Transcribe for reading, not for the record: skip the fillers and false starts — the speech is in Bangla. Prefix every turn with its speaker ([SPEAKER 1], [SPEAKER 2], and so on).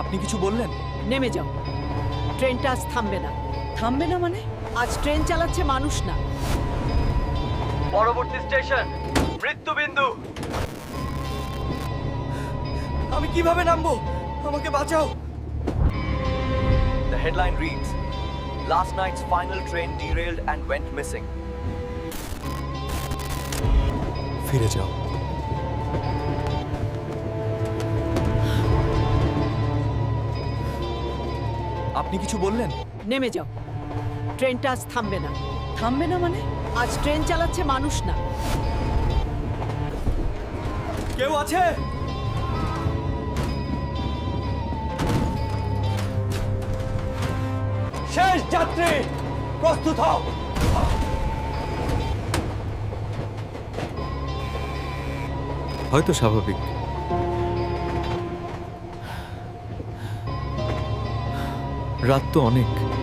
[SPEAKER 1] আপনি কিছু বললেন?
[SPEAKER 2] নেমে যাও, ট্রেনটা আজ থামবে না।
[SPEAKER 3] থামবে না মানে?
[SPEAKER 2] আজ ট্রেন চালাচ্ছে মানুষ না।
[SPEAKER 1] পরবর্তী স্টেশন মৃত্যুবিন্দু। আমি কিভাবে নামবো? আমাকে বাঁচাও। The headline reads, Last night's final train derailed and went missing. ফিরে যাও। আপনি কিছু বললেন?
[SPEAKER 2] নেমে যাও, ট্রেনটা আজ থামবে না।
[SPEAKER 3] থামবে না মানে?
[SPEAKER 2] আজ ট্রেন চালাচ্ছে মানুষ না।
[SPEAKER 1] কেউ আছে? শেষ যাত্রী প্রস্তুত হও।
[SPEAKER 4] হয়তো স্বাভাবিক। রাত তো অনেক।